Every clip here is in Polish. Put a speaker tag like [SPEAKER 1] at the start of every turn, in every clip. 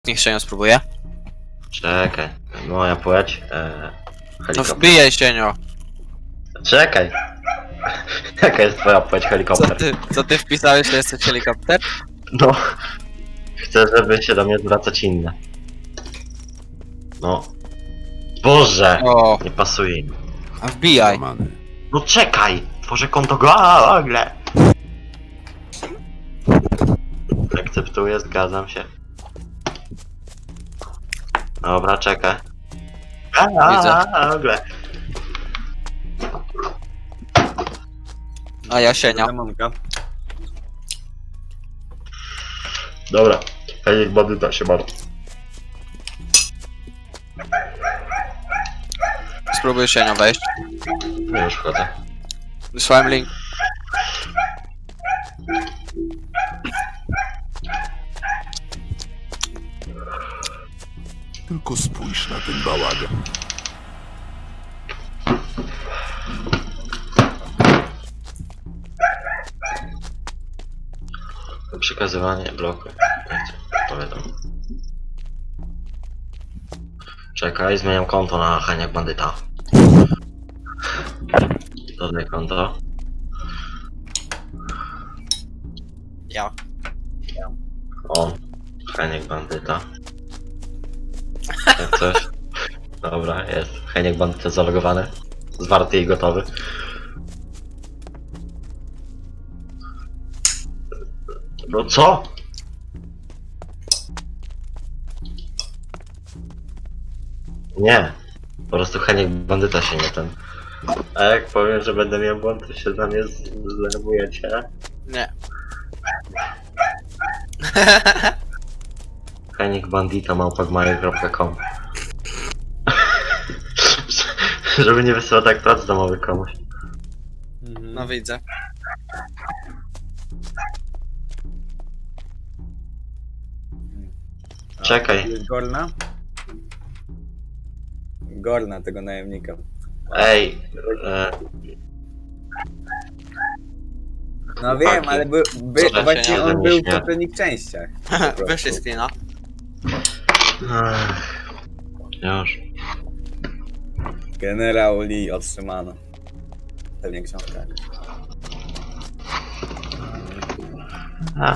[SPEAKER 1] Niech się nie spróbuje.
[SPEAKER 2] Czekaj, moja płeć.
[SPEAKER 1] No
[SPEAKER 2] Helikopter.
[SPEAKER 1] wbijaj się,
[SPEAKER 2] Czekaj. Jaka jest twoja płeć helikopter?
[SPEAKER 1] Co ty wpisałeś, że jesteś helikopter?
[SPEAKER 2] No. Chcę, żeby się do mnie zwracać inne. No. Boże!
[SPEAKER 1] O,
[SPEAKER 2] Nie pasuje im.
[SPEAKER 1] a wbijaj.
[SPEAKER 3] Złamany.
[SPEAKER 2] No czekaj! Tworzę konto Google! Akceptuję, zgadzam się. Dobra, czekaj.
[SPEAKER 1] Widzę.
[SPEAKER 2] Google.
[SPEAKER 1] A ja sienia.
[SPEAKER 4] Demonka.
[SPEAKER 2] Dobra. Helik bandyta się bardzo.
[SPEAKER 1] Spróbuj sienia wejść.
[SPEAKER 2] No już wchodzę.
[SPEAKER 1] Wysłałem link.
[SPEAKER 3] Tylko spójrz na ten bałagan.
[SPEAKER 2] Przekazywanie bloku. Nie chcę, powiadam. Czekaj, zmieniam konto na Heniak Bandyta. Dodaj konto.
[SPEAKER 1] Ja.
[SPEAKER 2] O, Heniak Bandyta. Jak coś. Dobra, jest. Heniak Bandyta zalogowany. Zwarty i gotowy. No co? Nie. Po prostu Heniak Bandyta się nie ten. A jak powiem, że będę miał błąd, to się na mnie zdenerwujecie.
[SPEAKER 1] Nie.
[SPEAKER 2] Henikbandita@gmail.com Żeby nie wysyłać tak prac domowych komuś.
[SPEAKER 1] No widzę.
[SPEAKER 2] Czekaj.
[SPEAKER 4] Jest Gorna? Gorna tego najemnika.
[SPEAKER 2] Ej,
[SPEAKER 4] No wiem, ale
[SPEAKER 2] Co za
[SPEAKER 4] właśnie
[SPEAKER 2] pieniądze
[SPEAKER 4] on
[SPEAKER 2] mi
[SPEAKER 4] był w
[SPEAKER 2] śmieją.
[SPEAKER 4] poprzednich częściach. po prostu.
[SPEAKER 1] Wyszli screena.
[SPEAKER 2] już.
[SPEAKER 4] Generał Lee otrzymano. Pewnie książka.
[SPEAKER 2] A.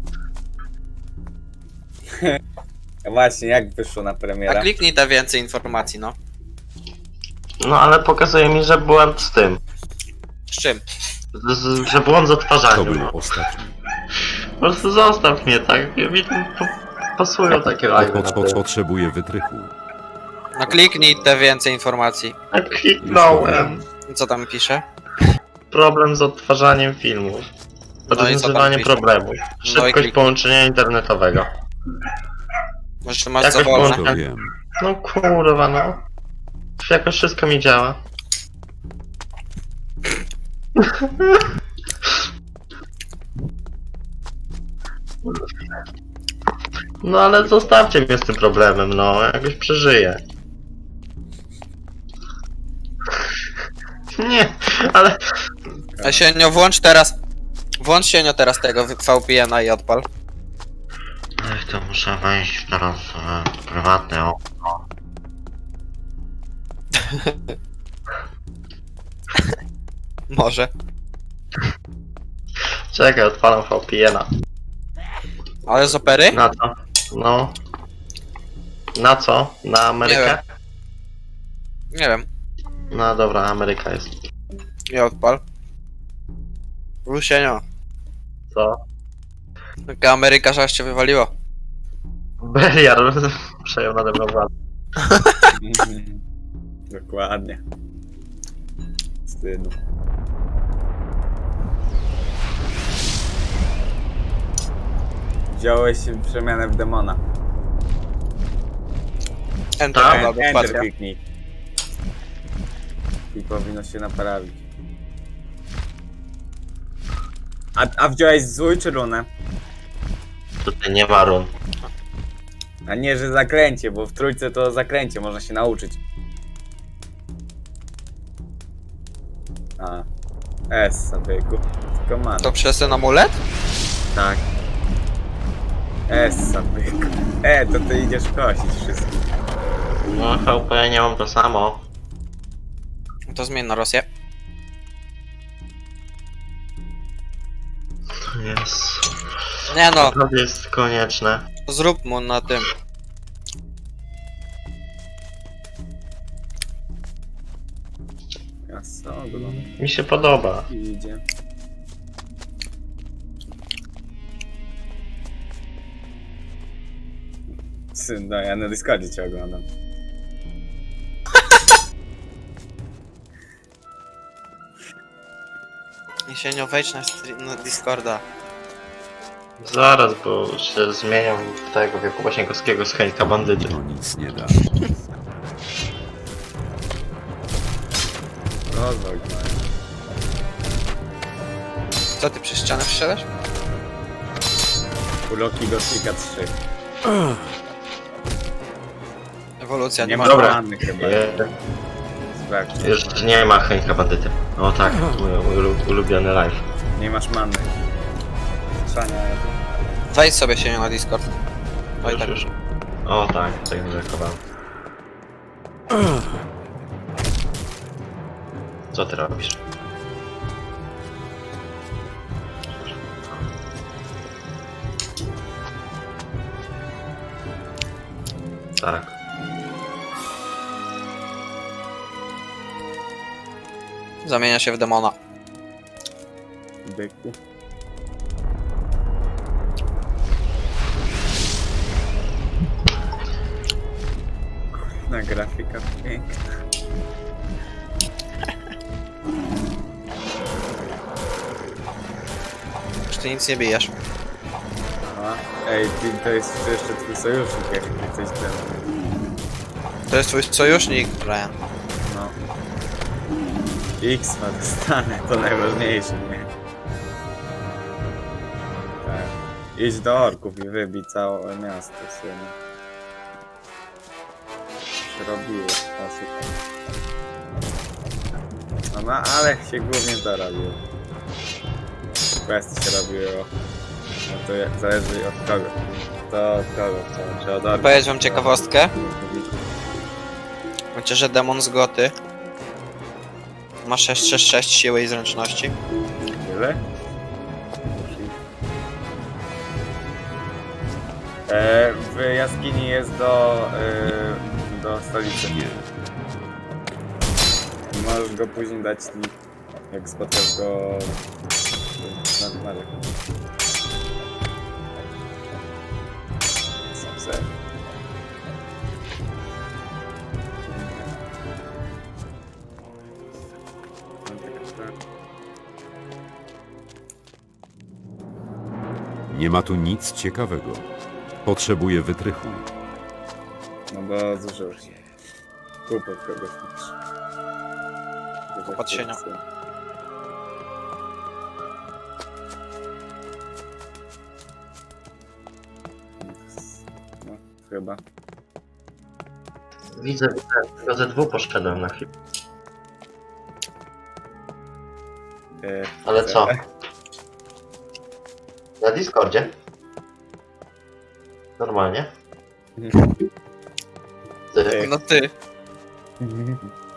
[SPEAKER 4] Właśnie, jak wyszło na
[SPEAKER 1] A
[SPEAKER 4] premiera?
[SPEAKER 1] kliknij te więcej informacji, no.
[SPEAKER 2] No ale pokazuje mi, że błąd z tym.
[SPEAKER 1] Z czym?
[SPEAKER 2] Że błąd z
[SPEAKER 3] To
[SPEAKER 2] odtwarzaniem.
[SPEAKER 3] był
[SPEAKER 2] No.
[SPEAKER 3] ostatni.
[SPEAKER 2] Po prostu zostaw mnie, tak? Mi pasują takie live na tym.
[SPEAKER 3] Potrzebuję wytrychu.
[SPEAKER 1] No kliknij te więcej informacji.
[SPEAKER 2] Tak kliknąłem.
[SPEAKER 1] Co tam pisze?
[SPEAKER 2] Problem z odtwarzaniem filmów.
[SPEAKER 1] No i co tam
[SPEAKER 2] Rozwiązywanie
[SPEAKER 1] pisze?
[SPEAKER 2] problemów.
[SPEAKER 1] i
[SPEAKER 2] Szybkość
[SPEAKER 1] kliknij.
[SPEAKER 2] połączenia internetowego.
[SPEAKER 1] Może masz
[SPEAKER 2] Jakoś
[SPEAKER 1] co wolne?
[SPEAKER 2] połączenie.
[SPEAKER 3] To wiem.
[SPEAKER 2] No kurwa no. Jakoś wszystko mi działa. No ale zostawcie mnie z tym problemem, no. Jakoś przeżyję. Nie, ale...
[SPEAKER 1] A Sienio, włącz teraz. Włącz Sienio teraz tego VPN-a i odpal.
[SPEAKER 2] Ech, to muszę wejść teraz w prywatne okno.
[SPEAKER 1] Może.
[SPEAKER 2] Czekaj, odpalam VPN-a.
[SPEAKER 1] Ale z opery?
[SPEAKER 2] Na co? No. Na co? Na Amerykę?
[SPEAKER 1] Nie wiem.
[SPEAKER 2] No dobra, Ameryka jest.
[SPEAKER 1] Nie odpal. Sienio.
[SPEAKER 2] Co?
[SPEAKER 1] Taka Ameryka, że aż cię wywaliło.
[SPEAKER 2] Beliar przejął nade mną władzę.
[SPEAKER 4] Dokładnie. Wstydu. Wziąłeś przemianę w demona.
[SPEAKER 1] Enter
[SPEAKER 2] Tak?
[SPEAKER 1] chyba do
[SPEAKER 4] Enter
[SPEAKER 1] wpadka.
[SPEAKER 4] kliknij. I powinno się naprawić. A wziąłeś złój czy runę?
[SPEAKER 2] Tutaj nie ma run.
[SPEAKER 4] A nie, że zakręcie, bo w trójce to zakręcie można się nauczyć. A. S, byku. Tylko man.
[SPEAKER 1] To przez ten amulet?
[SPEAKER 4] Tak. Essa, byku. To ty idziesz kosić wszystkich.
[SPEAKER 2] No VP, ja nie mam to samo.
[SPEAKER 1] To zmień na Rosję.
[SPEAKER 2] Jest.
[SPEAKER 1] Nie no,
[SPEAKER 2] To jest konieczne.
[SPEAKER 1] zrób mu na tym.
[SPEAKER 4] Jasno, oglądam.
[SPEAKER 2] Mi się podoba.
[SPEAKER 4] Idzie. No, ja na Discordzie cię oglądam.
[SPEAKER 1] Jesienio, wejdź na Discorda.
[SPEAKER 2] Zaraz, bo się zmieniam w tego Jakuba Sienkowskiego z Henka Bandyty.
[SPEAKER 3] To nic nie da.
[SPEAKER 4] Rozwój, no.
[SPEAKER 1] Co ty przez ścianę wszedłeś?
[SPEAKER 4] Uloki Gothica 3.
[SPEAKER 1] Ewolucja,
[SPEAKER 4] Nie
[SPEAKER 1] nie
[SPEAKER 4] ma
[SPEAKER 1] ma.
[SPEAKER 2] Dobra.
[SPEAKER 4] rany chyba. Sprawdź.
[SPEAKER 2] Już nie ma Henka Bandyty. O tak, mój ulubiony live.
[SPEAKER 4] Nie masz manny. Strzania.
[SPEAKER 1] Wejdź sobie się na Discord. Oj,
[SPEAKER 2] Już,
[SPEAKER 1] tak.
[SPEAKER 2] już. O tak, tak narzekowałem. Co ty robisz? Tak.
[SPEAKER 1] Zamienia się w demona.
[SPEAKER 4] Byku. Na grafika piękna.
[SPEAKER 1] Już ty nic nie bijesz.
[SPEAKER 4] Aha. Ej, to jest jeszcze twój sojusznik, jak coś ten.
[SPEAKER 1] To jest twój sojusznik, Brian.
[SPEAKER 4] No. X ma dostanę, to najważniejsze, nie? Tak. Idź do orków i wybij całe miasto w sumie. Się robiło osób. No, ale się głównie to robiło. Questy się robiło. No to zależy od kogo. To od kogo, czy od orków.
[SPEAKER 1] Powiedz wam ciekawostkę. Wiecie, że demon z Goty ma 666 siły i zręczności.
[SPEAKER 4] Tyle? W jaskini jest do stolicy.
[SPEAKER 3] Nie.
[SPEAKER 4] Możesz go później dać, jak spotkasz go na dmarze.
[SPEAKER 3] Nie ma tu nic ciekawego. Potrzebuję wytrychu.
[SPEAKER 4] No bo zużył się. Kup od kogoś niż.
[SPEAKER 1] Od sienia.
[SPEAKER 4] No, chyba.
[SPEAKER 2] Widzę, tylko ze dwóch poszedłem na chwilę. Ale co? Na Discordzie? Normalnie? Ty.
[SPEAKER 1] No ty.